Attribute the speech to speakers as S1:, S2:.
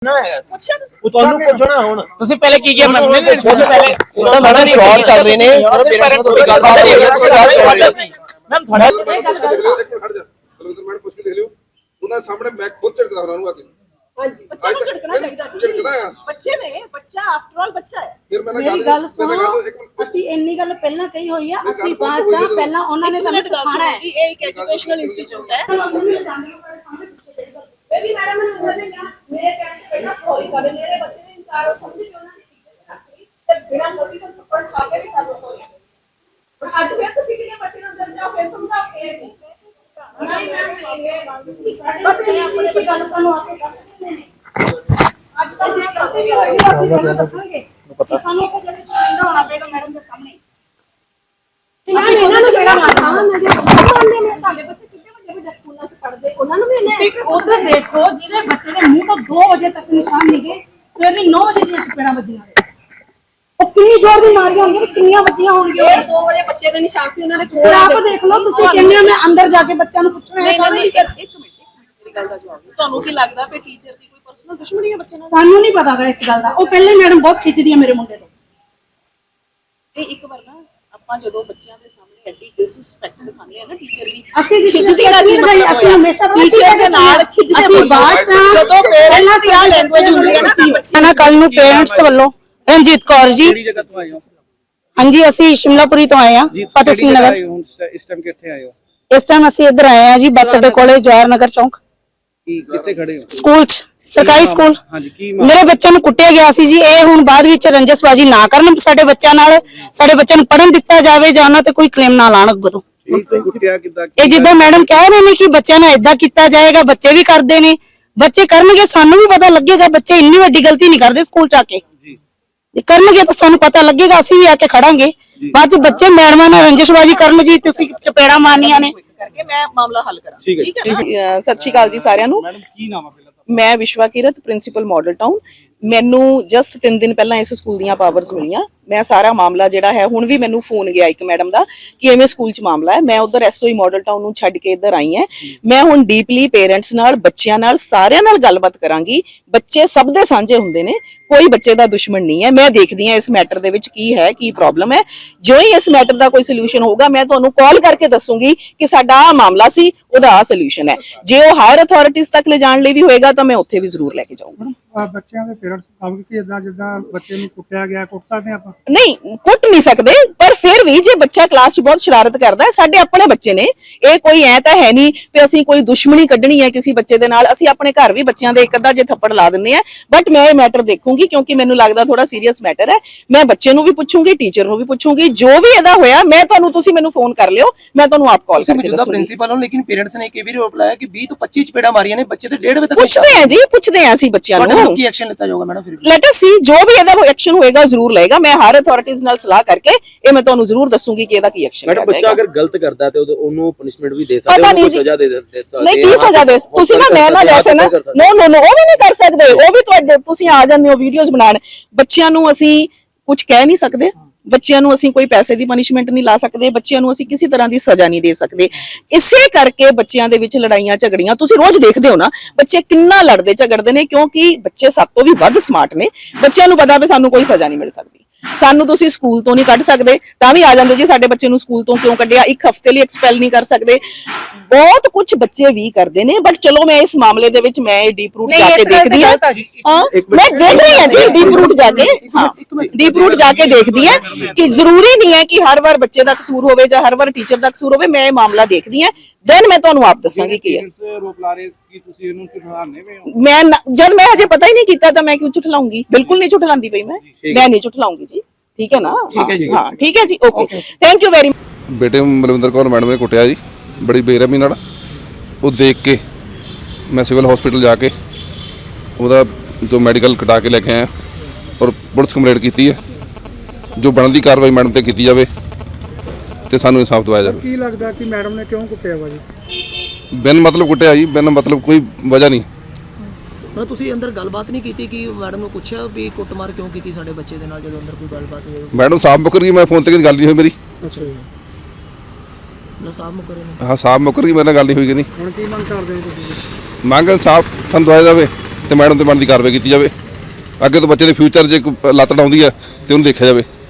S1: ਤੁਹਾਨੂੰ ਪੁੱਛਣਾ ਹੁਣ
S2: ਤੁਸੀਂ ਪਹਿਲੇ ਕੀ ਕੀਤਾ ਮੈਮ ਨੇ ਪਹਿਲੇ
S1: ਤਾਂ ਮੈਡਮ ਸ਼ਾਰਟ ਚੱਲ ਰਹੇ ਨੇ ਸਰ ਪੇਰੈਂਟਸ ਤੋਂ ਗੱਲਬਾਤ ਹੋ ਰਹੀ ਹੈ
S2: ਮੈਮ ਤੁਹਾਡਾ
S3: ਬਲਵਿੰਦਰ ਮੈਡਮ ਪੁੱਛ ਕੇ ਦੇਖ ਲਿਓ ਉਹਨਾਂ ਸਾਹਮਣੇ ਮੈਂ ਖੁਦ ਝੜਕਦਾ ਉਹਨਾਂ ਨੂੰ ਆ ਕੇ
S4: ਹਾਂਜੀ ਬੱਚਾ ਨੂੰ ਝੜਕਣਾ ਚਾਹੀਦਾ
S3: ਝੜਕਦਾ ਆ
S4: ਬੱਚੇ ਨੇ ਬੱਚਾ ਆਫਟਰ ਆਲ ਬੱਚਾ ਹੈ
S3: ਫਿਰ ਮੈਂ
S5: ਮੇਰੀ ਗੱਲ ਸੁਣੋ ਅਸੀਂ ਇੰਨੀ ਗੱਲ ਪਹਿਲਾਂ ਕਹੀ ਹੋਈ ਆ ਅਸੀਂ ਬਾਅਦ ਚ ਪਹਿਲਾਂ ਉਹਨਾਂ ਨੇ ਸਾਨੂੰ ਸਿਖਾਣਾ ਹੈ
S4: ਇਹ ਇੱਕ ਐਜੂਕੇਸ਼ਨਲ ਇੰਸਟੀਚਿਊਟ ਹੈ ਮੇਰੀ ਮੈਡਮ ਨੇ ਉਹਨਾਂ ਨੇ ਮੇਰੇ ਕਹਿਣ ਤੇ ਪਹਿਲਾਂ ਸੌਰੀ ਕਰ ਮੇਰੇ ਬੱਚੇ ਨੇ ਇਨਕਾਰ ਸਮਝ ਕੇ ਉਹਨਾਂ ਨੇ ਟੀਚਰ ਰੱਖੀ ਤੇ ਬਿਨਾਂ ਗਲਤੀ ਤੋਂ ਥੱਪੜ ਖਾ ਕੇ ਵੀ ਸਾਨੂੰ ਸੌਰੀ ਪਰ ਅੱਜ ਫਿਰ ਤੁਸੀਂ ਕਿਹਨੇ ਬੱਚੇ ਨੂੰ ਅੰਦਰ ਜਾਓ ਫਿਰ ਸਮਝਾਓ ਇਹ ਨਹੀਂ ਮੈਮ ਸਾਡੇ ਬੱਚੇ ਆਪਣੇ ਗੱਲ ਸਾਨੂੰ ਆ ਕੇ ਦੱਸਦੇ ਨੇ ਅੱਜ ਤੱਕ ਜੇ ਗਲਤੀ ਹੋਈ ਅਸੀਂ ਪਹਿਲਾਂ ਦੱਸਾਂਗੇ ਕਿ ਸਾਨੂੰ ਉਹ ਜਿਹੜੇ ਚਾਹੀਦਾ ਹੋਣਾ ਪਏਗਾ ਮੈਡਮ ਦੇ ਸਾਹਮਣੇ ਤੇ ਮੈਂ ਇਹਨਾਂ ਨੂੰ ਜਿਹੜਾ ਮਾਰਨਾ ਮੈਂ ਜੇ ਮੰਨਦੇ ਨੇ ਤੁਹਾਡੇ ਬੱਚੇ ਕਿੰਨੇ ਵੱਡੇ ਸਕੂਲਾਂ 'ਚ ਪੜ੍ਹਦੇ ਉਹਨਾਂ ਨੂੰ ਵੀ ਇਹਨੇ ਉਧਰ ਦੇਖੋ ਜਿਹਦੇ ਬੱਚੇ ਦੇ ਮੂੰਹ ਤੋਂ 2 ਵਜੇ ਤੱਕ ਨਿਸ਼ਾਨ ਨਿਗੇ ਸਵੇਰ ਦੀ 9 ਵਜੇ ਦੀਆਂ ਚਪੇੜਾਂ ਵੱਜੀਆਂ ਨੇ ਉਹ ਕਿੰਨੀ ਜ਼ੋਰ ਦੀ ਮਾਰੀਆਂ ਹੋਣਗੀਆਂ ਕਿੰਨੀਆਂ ਵੱਜੀਆਂ ਹੋਣਗੀਆਂ 2 ਵਜੇ ਬੱਚੇ ਦੇ ਨਿਸ਼ਾਨ ਸੀ ਉਹਨਾਂ ਨੇ ਤੁਸੀਂ ਆਪ ਦੇਖ ਲਓ ਤੁਸੀਂ ਕਹਿੰਦੇ ਮੈਂ ਅੰਦਰ ਜਾ ਕੇ ਬੱਚਿਆਂ ਨੂੰ ਪੁੱਛਣਾ ਹੈ ਨਹੀਂ ਇੱਕ ਮਿੰਟ ਮੇਰੀ ਗੱਲ ਦਾ ਜਵਾਬ ਤੁਹਾਨੂੰ ਕੀ ਲੱਗਦਾ ਕਿ ਟੀਚਰ ਦੀ ਕੋਈ ਪਰਸਨਲ ਦੁਸ਼ਮਣੀ ਹੈ ਬੱਚੇ ਨਾਲ
S5: ਸਾਨੂੰ ਨਹੀਂ ਪਤਾ ਗਾ ਇਸ ਗੱਲ ਦਾ ਉਹ ਪਹਿਲੇ ਮੈਡਮ ਬਹੁਤ ਖਿੱਚਦੀ ਹੈ ਮੇਰੇ ਮੁੰਡੇ ਤੋਂ
S4: ਇਹ ਇੱਕ ਵਾਰ ਨਾ ਆਪਾਂ ਜਦੋਂ ਬੱਚਿਆਂ ਦੇ ਸਾਹਮਣੇ ਐਡੀ ਡਿਸਰੈਸਪੈਕਟ ਦਿਖਾਉਂਦੇ ਆ ਨਾ ਟੀਚਰ ਦੀ
S5: ਅਸੀਂ
S4: ਖਿੱਚਦੀ ਦਾ ਕੀ ਮਤਲਬ
S5: ਅਸੀਂ ਹਮੇਸ਼ਾ
S4: ਟੀਚਰ ਦੇ ਨਾਲ ਖਿੱਚਦੇ
S5: ਅਸੀਂ ਬਾਅਦ ਚ
S4: ਜਦੋਂ ਪੇਰੈਂਟਸ ਦੀ ਆ ਲੈਂਗੁਏਜ ਹੁੰਦੀ ਹੈ ਨਾ
S6: ਨਾ ਕੱਲ ਨੂੰ ਪੇਰੈਂਟਸ ਵੱਲੋਂ ਰਣਜੀਤ ਕੌਰ ਜੀ
S7: ਕਿਹੜੀ ਜਗ੍ਹਾ ਤੋਂ ਆਏ ਹੋ
S6: ਹਾਂਜੀ ਅਸੀਂ ਸ਼ਿਮਲਾਪੁਰੀ ਤੋਂ ਆਏ ਆ ਫਤਿਹ ਸਿੰਘ ਨਗਰ
S7: ਇਸ ਟਾਈਮ ਕਿੱਥੇ ਆਏ ਹੋ
S6: ਇਸ ਟਾਈਮ ਅਸੀਂ ਇੱਧਰ ਆਏ ਆ ਜੀ ਬੱਸ ਅੱਡੇ ਕੋਲੇ ਜਵਾਹਰ ਨਗਰ ਚੌਂਕ
S7: ਕੀ ਕਿੱਥੇ ਖੜੇ ਹੋ
S6: ਸਕੂਲ ਚ ਸਰਕਾਰੀ ਸਕੂਲ
S7: ਹਾਂਜੀ ਕੀ
S6: ਮੇਰੇ ਬੱਚਿਆਂ ਨੂੰ ਕੁੱਟਿਆ ਗਿਆ ਸੀ ਜੀ ਇਹ ਹੁਣ ਬਾਅਦ ਵਿੱਚ ਰੰਜਸਬਾਜੀ ਨਾ ਕਰਨ ਸਾਡੇ ਬੱਚਿਆਂ ਨਾਲ ਸਾਡੇ ਬੱਚਿਆਂ ਨੂੰ ਪੜ੍ਹਨ ਦਿੱਤਾ ਜਾਵੇ ਜਾਂ ਉਹਨਾਂ ਤੇ ਕੋਈ ਕਲੇਮ ਨਾ ਲਾਣ ਅੱਗੋਂ ਤੋਂ
S7: ਕੁੱਟਿਆ ਕਿੱਦਾਂ
S6: ਇਹ ਜਿੱਦਾਂ ਮੈਡਮ ਕਹਿ ਰਹੇ ਨੇ ਕਿ ਬੱਚਿਆਂ ਨਾਲ ਇਦਾਂ ਕੀਤਾ ਜਾਏਗਾ ਬੱਚੇ ਵੀ ਕਰਦੇ ਨੇ ਬੱਚੇ ਕਰਨਗੇ ਸਾਨੂੰ ਵੀ ਪਤਾ ਲੱਗੇਗਾ ਬੱਚੇ ਇੰਨੀ ਵੱਡੀ ਗਲਤੀ ਨਹੀਂ ਕਰਦੇ ਸਕੂਲ ਚ ਆ ਕੇ
S7: ਜੀ
S6: ਜੇ ਕਰਨਗੇ ਤਾਂ ਸਾਨੂੰ ਪਤਾ ਲੱਗੇਗਾ ਅਸੀਂ ਵੀ ਆ ਕੇ ਖੜਾਂਗੇ ਬਾਅਦ ਚ ਬੱਚੇ ਮੈਡਮਾਂ ਨਾਲ ਰੰਜਿਸ਼ਬਾਜੀ ਕਰਨ ਜੀ ਤੁਸੀਂ ਚਪੇੜਾ ਮਾਰਨੀਆਂ ਨੇ
S4: ਕਰਕੇ ਮੈਂ ਮਾਮਲਾ ਹੱਲ ਕਰਾਂ
S7: ਠੀਕ ਹੈ
S4: ਸਤਿ ਸ਼੍ਰੀ ਅਕਾਲ ਜੀ ਸਾਰਿਆਂ ਨੂੰ
S7: ਮੈਡਮ ਕੀ ਨਾਮ ਹੈ ਪਹਿਲਾਂ
S4: ਮੈਂ ਵਿਸ਼ਵਾ ਕਿਰਤ ਪ੍ਰਿੰਸੀਪਲ ਮਾਡਲ ਟਾਊਨ ਮੈਨੂੰ ਜਸਟ 3 ਦਿਨ ਪਹਿਲਾਂ ਇਸ ਸਕੂਲ ਦੀਆਂ ਪਾਵਰਸ ਮਿਲੀਆਂ ਮੈਂ ਸਾਰਾ ਮਾਮਲਾ ਜਿਹੜਾ ਹੈ ਹੁਣ ਵੀ ਮੈਨੂੰ ਫੋਨ ਗਿਆ ਇੱਕ ਮੈਡਮ ਦਾ ਕਿ ਐਵੇਂ ਸਕੂਲ 'ਚ ਮਾਮਲਾ ਹੈ ਮੈਂ ਉਧਰ ਐਸਓਈ ਮਾਡਲ ਟਾਊਨ ਨੂੰ ਛੱਡ ਕੇ ਇੱਧਰ ਆਈ ਹਾਂ ਮੈਂ ਹੁਣ ਡੀਪਲੀ ਪੇਰੈਂਟਸ ਨਾਲ ਬੱਚਿਆਂ ਨਾਲ ਸਾਰਿਆਂ ਨਾਲ ਗੱਲਬਾਤ ਕਰਾਂਗੀ ਬੱਚੇ ਸਭ ਦੇ ਸਾਂਝੇ ਹੁੰਦੇ ਨੇ ਕੋਈ ਬੱਚੇ ਦਾ ਦੁਸ਼ਮਣ ਨਹੀਂ ਹੈ ਮੈਂ ਦੇਖਦੀ ਹਾਂ ਇਸ ਮੈਟਰ ਦੇ ਵਿੱਚ ਕੀ ਹੈ ਕੀ ਪ੍ਰੋਬਲਮ ਹੈ ਜੋ ਹੀ ਇਸ ਮੈਟਰ ਦਾ ਕੋਈ ਸੋਲੂਸ਼ਨ ਹੋਊਗਾ ਮੈਂ ਤੁਹਾਨੂੰ ਕਾਲ ਕਰਕੇ ਦੱਸੂਗੀ ਕਿ ਸਾਡਾ ਆ ਮਾਮਲਾ ਸੀ ਉਹਦਾ ਆ ਸੋਲੂਸ਼ਨ ਹੈ ਜੇ ਉਹ ਹਾਇਰ ਅਥਾਰਟੀਜ਼ ਤੱਕ ਲੈ ਜਾਣ ਲਈ ਵੀ ਹੋਏਗਾ ਤਾਂ ਮੈਂ ਉੱਥੇ ਵੀ ਜ਼ਰੂਰ ਲੈ ਕੇ ਜਾਊਂਗਾ
S8: ਬੱਚਿਆਂ ਦੇ ਪੇਰੈਂਟਸ ਕੰਮ ਕਿ ਜਿੱਦਾਂ ਬੱਚੇ ਨੂੰ ਕੁੱਟਿਆ ਗਿਆ ਕੁੱਟ ਸਕਦੇ ਆਪਾਂ
S4: ਨਹੀਂ ਕੁੱਟ ਨਹੀਂ ਸਕਦੇ ਪਰ ਫਿਰ ਵੀ ਜੇ ਬੱਚਾ ਕਲਾਸ 'ਚ ਬਹੁਤ ਸ਼ਰਾਰਤ ਕਰਦਾ ਹੈ ਸਾਡੇ ਆਪਣੇ ਬੱਚੇ ਨੇ ਇਹ ਕੋਈ ਐ ਤਾਂ ਹੈ ਨਹੀਂ ਕਿ ਅਸੀਂ ਕੋਈ ਦੁਸ਼ਮਣੀ ਕੱਢਣੀ ਹੈ ਕਿਸੇ ਬੱਚੇ ਦੇ ਨਾਲ ਅਸੀਂ ਆਪਣੇ ਘਰ ਵੀ ਬੱਚਿਆਂ ਦੇ ਇੱਕ ਅੱਧਾ ਜੇ ਥੱਪੜ ਲਾ ਦਿੰਦੇ ਆ ਬਟ ਮੈਂ ਇਹ ਮੈਟਰ ਦੇਖੂੰਗੀ ਕਿਉਂਕਿ ਮੈਨੂੰ ਲੱਗਦਾ ਥੋੜਾ ਸੀਰੀਅਸ ਮੈਟਰ ਹੈ ਮੈਂ ਬੱਚੇ ਨੂੰ ਵੀ ਪੁੱਛੂੰਗੀ ਟੀਚਰ ਨੂੰ ਵੀ ਪੁੱਛੂੰਗੀ ਜੋ ਵੀ ਇਹਦਾ ਹੋਇਆ ਮੈਂ ਤੁਹਾਨੂੰ ਤੁਸੀਂ ਮੈਨੂੰ ਫੋਨ ਕਰ ਲਿਓ ਮੈਂ ਤੁਹਾਨੂੰ ਆਪ ਕਾਲ ਕਰਕੇ ਦੱਸੂੰਗੀ
S1: ਪ੍ਰਿੰਸੀਪਲ ਹੋ ਲੇਕਿਨ ਪੇਰੈਂਟਸ ਨੇ ਇੱਕ ਵੀ ਰੋਪ ਲਾਇਆ ਕਿ 20 ਤੋਂ 25 ਚਪੇੜਾ ਮਾਰੀਆਂ ਨੇ ਬੱਚੇ ਤੇ 1.5 ਵਜੇ ਤੱਕ
S4: ਪੁੱਛਦੇ ਆ ਅਸੀਂ ਬੱਚਿਆਂ ਨੂੰ
S1: ਕੀ ਐਕਸ਼ਨ ਲਿੱਤਾ ਜਾਊਗਾ ਮੈਡਮ ਫਿਰ
S4: ਲੈਟ ਅਸ ਸੀ ਜੋ ਵੀ ਇਹਦਾ ਐਕਸ਼ਨ ਹੋਏਗਾ ਜ਼ਰੂਰ ਲਏਗਾ ਮੈਂ ਹਾਇਰ ਅਥਾਰਟੀਜ਼ ਨਾਲ ਸਲਾਹ ਕਰਕੇ ਇਹ ਮੈਂ ਤੁਹਾਨੂੰ ਜ਼ਰੂਰ ਦੱਸੂਗੀ ਕਿ ਇਹਦਾ ਕੀ ਐਕਸ਼ਨ ਹੈ
S1: ਮੈਡਮ ਬੱਚਾ ਅਗਰ ਗਲਤ ਕਰਦਾ ਤੇ ਉਹਨੂੰ ਪਨਿਸ਼ਮੈਂਟ ਵੀ ਦੇ ਸਕਦੇ ਹੋ ਸਜ਼ਾ ਦੇ ਸਕਦੇ
S4: ਨਹੀਂ ਕੀ ਸਜ਼ਾ ਦੇ ਤੁਸੀਂ ਨਾ ਮੈਂ ਨਾ ਜੈਸੇ ਨਾ ਨੋ ਉਹ ਵੀ ਨਹੀਂ ਕਰ ਸਕਦੇ ਉਹ ਵੀ ਤੁਹਾਡੇ ਤੁਸੀਂ ਆ ਜਾਂਦੇ ਹੋ ਵੀਡੀਓਜ਼ ਬਣਾਉਣ ਬੱਚਿਆਂ ਨੂੰ ਅਸੀਂ ਕੁਝ ਕਹਿ ਨਹੀਂ ਸਕਦੇ ਬੱਚਿਆਂ ਨੂੰ ਅਸੀਂ ਕੋਈ ਪੈਸੇ ਦੀ ਪਨਿਸ਼ਮੈਂਟ ਨਹੀਂ ਲਾ ਸਕਦੇ ਬੱਚਿਆਂ ਨੂੰ ਅਸੀਂ ਕਿਸੇ ਤਰ੍ਹਾਂ ਦੀ ਸਜ਼ਾ ਨਹੀਂ ਦੇ ਸਕਦੇ ਇਸੇ ਕਰਕੇ ਬੱਚਿਆਂ ਦੇ ਵਿੱਚ ਲੜਾਈਆਂ ਝਗੜੀਆਂ ਤੁਸੀਂ ਰੋਜ਼ ਦੇਖਦੇ ਹੋ ਨਾ ਬੱਚੇ ਕਿੰਨਾ ਲੜਦੇ ਝਗੜਦੇ ਨੇ ਕਿਉਂਕਿ ਬੱਚੇ ਸਭ ਤੋਂ ਵੀ ਵੱਧ ਸਮਾਰਟ ਨੇ ਬੱਚਿਆਂ ਨੂੰ ਪਤਾ ਵੀ ਸਾਨੂੰ ਕੋਈ ਸਜ਼ਾ ਨਹੀਂ ਮਿਲ ਸਕਦੀ ਸਾਨੂੰ ਤੁਸੀਂ ਸਕੂਲ ਤੋਂ ਨਹੀਂ ਕੱਢ ਸਕਦੇ ਤਾਂ ਵੀ ਆ ਜਾਂਦੇ ਜੀ ਸਾਡੇ ਬੱਚੇ ਨੂੰ ਸਕੂਲ ਤੋਂ ਕਿਉਂ ਕੱਢਿਆ ਇੱਕ ਹਫ਼ਤੇ ਲਈ ਐਕਸਪੈਲ ਨਹੀਂ ਕਰ ਸਕਦੇ ਬਹੁਤ ਕੁਝ ਬੱਚੇ ਵੀ ਕਰਦੇ ਨੇ ਬਟ ਚਲੋ ਮੈਂ ਇਸ ਮਾਮਲੇ ਦੇ ਵਿੱਚ ਮੈਂ ਡੀਪ ਰੂਟ ਜਾ ਕੇ ਦੇਖਦੀ ਹਾਂ ਮੈਂ ਦੇਖ ਰਹੀ ਹਾਂ ਜੀ ਡੀਪ ਰੂਟ ਜਾ ਕੇ ਡੀਪ ਰੂਟ ਜਾ ਕੇ ਦੇਖਦੀ ਹਾਂ ਕਿ ਜ਼ਰੂਰੀ ਨਹੀਂ ਹੈ ਕਿ ਹਰ ਵਾਰ ਬੱਚੇ ਦਾ ਕਸੂਰ ਹੋਵੇ ਜਾਂ ਹਰ ਵਾਰ ਟੀਚਰ ਦਾ ਕਸੂਰ ਹੋਵੇ ਮੈਂ ਇਹ ਮਾਮਲਾ ਦੇਖਦੀ ਹਾਂ ਦੈਨ ਮੈਂ ਤੁਹਾਨੂੰ ਆਪ ਦੱਸਾਂਗੀ ਕੀ ਹੈ
S7: ਰੋਪ ਲਾ ਰਹੇ ਕਿ ਤੁਸੀਂ ਇਹਨੂੰ ਝੁਠਲਾਣੇ ਵੇ ਹੋ
S4: ਮੈਂ ਜਦ ਮੈਂ ਹਜੇ ਪਤਾ ਹੀ ਨਹੀਂ ਕੀਤਾ ਤਾਂ ਮੈਂ ਕਿਉਂ ਝੁਠਲਾਉਂਗੀ ਬਿਲਕੁਲ ਨਹੀਂ ਝੁਠਲਾਉਂਦੀ ਪਈ ਮੈਂ ਨਹੀਂ ਝੁਠਲਾਉਂਗੀ ਜੀ ਠੀਕ ਹੈ ਨਾ ਹਾਂ ਠੀਕ ਹੈ ਜੀ ਓਕੇ ਥੈਂਕ ਯੂ ਵੈਰੀ
S3: ਬੇਟੇ ਬਲਵਿੰਦਰ ਕੌਰ ਮੈਡਮ ਨੇ ਕੁੱਟਿਆ ਜੀ ਬੜੀ ਬੇਰਹਿਮੀ ਨਾਲ ਉਹ ਦੇਖ ਕੇ ਮੈਂ ਸਿਵਲ ਹਸਪੀਟਲ ਜਾ ਕੇ ਉਹਦਾ ਜੋ ਮੈਡੀਕਲ ਕਟਾ ਕੇ ਲੈ ਕੇ ਆਇਆ ਔਰ ਪੁਲਿਸ ਕੰਪਲੇਂਟ ਕੀਤੀ ਹੈ ਜੋ ਬਣਦੀ ਕਾਰਵਾਈ ਮੈਡਮ ਤੇ ਕੀਤੀ ਜਾਵੇ ਤੇ ਸਾਨੂੰ ਇਨਸਾਫ ਦਿਵਾਇਆ ਜਾਵੇ
S8: ਕੀ ਲੱਗਦਾ ਕਿ ਮੈਡਮ ਨੇ ਕਿਉਂ ਕੁੱਟਿਆ ਵਾ ਜੀ
S3: ਬਿਨ ਮਤਲਬ ਕੁੱਟਿਆ ਜੀ ਬਿਨ ਮਤਲਬ ਕੋਈ ਵਜ੍ਹਾ ਨਹੀਂ
S1: ਪਰ ਤੁਸੀਂ ਅੰਦਰ ਗੱਲਬਾਤ ਨਹੀਂ ਕੀਤੀ ਕਿ ਮੈਡਮ ਨੂੰ ਪੁੱਛਿਆ ਵੀ ਕੁੱਟਮਾਰ ਕਿਉਂ ਕੀਤੀ ਸਾਡੇ ਬੱਚੇ ਦੇ ਨਾਲ ਜਦੋਂ ਅੰਦਰ ਕੋਈ ਗੱਲਬਾਤ ਹੋਈ
S3: ਮੈਡਮ ਸਾਫ ਮੁੱਕਰ ਗਈ ਮੈਂ ਫੋਨ ਤੇ ਗੱਲ ਨਹੀਂ ਹੋਈ ਮੇਰੀ
S8: ਅੱਛਾ ਜੀ
S1: ਨਾ ਸਾਫ ਮੁੱਕਰੇ ਨੇ
S3: ਹਾਂ ਸਾਫ ਮੁੱਕਰ ਗਈ ਮੇਰੇ ਨਾਲ ਗੱਲ ਨਹੀਂ ਹੋਈ ਕਿ ਨਹੀਂ
S8: ਹੁਣ ਕੀ ਮੰਗ ਕਰਦੇ ਹੋ ਤੁਸੀਂ
S3: ਮੰਗ ਇਨਸਾਫ ਸਾਨੂੰ ਦਿਵਾਇਆ ਜਾਵੇ ਤੇ ਮੈਡਮ ਤੇ ਬਣਦੀ ਕਾਰਵਾਈ ਕੀਤੀ ਜਾਵੇ। ਅੱਗੇ ਤੋਂ ਬੱਚੇ ਦੇ ਫਿਊਚਰ ਜੇ ਕੋਈ ਲੱਤ ਡਾਉਂਦੀ ਹੈ ਤੇ ਉਹਨੂੰ ਦੇਖਿਆ ਜਾਵੇ।